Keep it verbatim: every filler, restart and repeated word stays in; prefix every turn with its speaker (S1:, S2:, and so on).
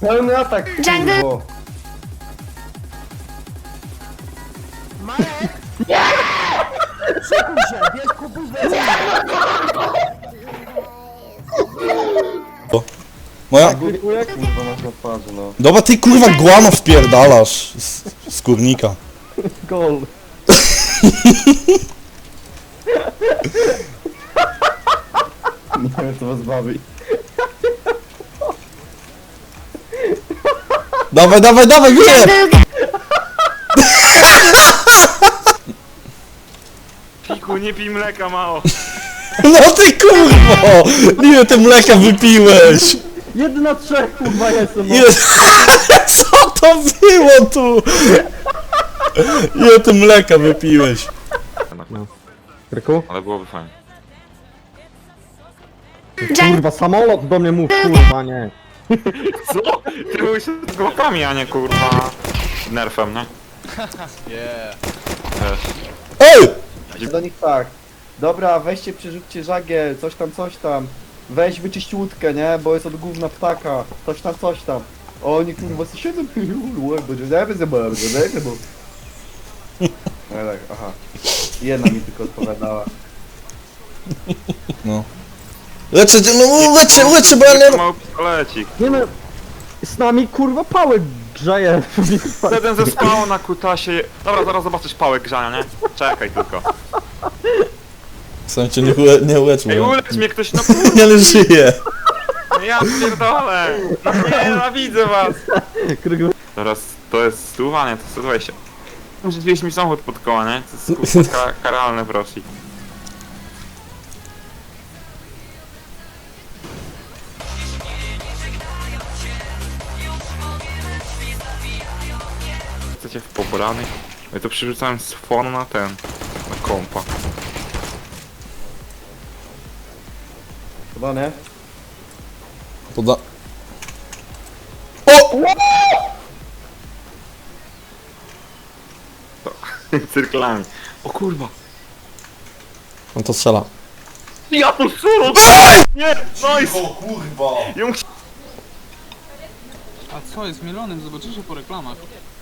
S1: Pełny atak,
S2: Jungle.
S1: kurwo.
S3: Szykuj się, bierz kupuś
S4: Moja...
S1: Dziękuję, kurwa, masz na twarzy, no.
S4: Dobra, ty kurwa guano wpierdalasz z, z kurnika.
S1: Gol. Nie wiem, co was bawi.
S4: Dawaj, dawaj, dawaj, gdzie?
S2: Jungle.
S5: Piku, nie pij mleka, mało.
S4: No ty kurwo! Ile ty mleka wypiłeś?
S1: Jeden na trzech, kurwa, jestem. No.
S4: Ile... Co to było tu? Ile ty mleka wypiłeś?
S1: Kryku?
S5: Ale byłoby fajnie.
S2: Jungle.
S1: Kurwa, samolot do mnie mów, kurwa, nie.
S5: Co? Ty byłeś z głowami, a nie kurwa... nerfem, nie?
S6: Yeah.
S5: Wiesz.
S4: Ej!
S1: Do nich tak. Dobra, weźcie, przerzućcie żagiel, coś tam, coś tam. Weź, wyczyść łódkę, nie? Bo jest od gówna ptaka. Coś tam, coś tam. O, oni kurwa sobie siedzą, będzie zeby za bardzo, zeby, bo... No tak, aha. Jedna mi tylko odpowiadała.
S4: No. Lecę, no lecę, lecę, bo ja nie...
S5: Mały pistolecik.
S1: Nie no, z nami kurwa pałek grzeje.
S5: Jeden ze spał na kutasie. Dobra, zaraz zobaczysz pałek grzania, nie? Czekaj tylko.
S4: W sensie nie, ule, nie ulecz
S5: Ej,
S4: mnie.
S5: ulecz mnie ktoś, no
S4: Nie ale żyje.
S5: kurwa, ja pierdolę. No nie, nienawidzę was. Teraz to jest stuwanie, to sto dwadzieścia. Rzuciłeś mi samochód pod koła, nie? To jest kurwa ka karalne w Rosji. Chcecie w pobrany? Ja to przerzucałem z fonu na ten, na kompa.
S1: Chyba nie?
S4: Poda... O!
S5: Cyrklami. O kurwa.
S4: On to strzela.
S5: Ja to suru! Nie! Nice!
S4: O kurwa!
S5: Ją
S6: A co jest mielonym? Zobaczycie po reklamach.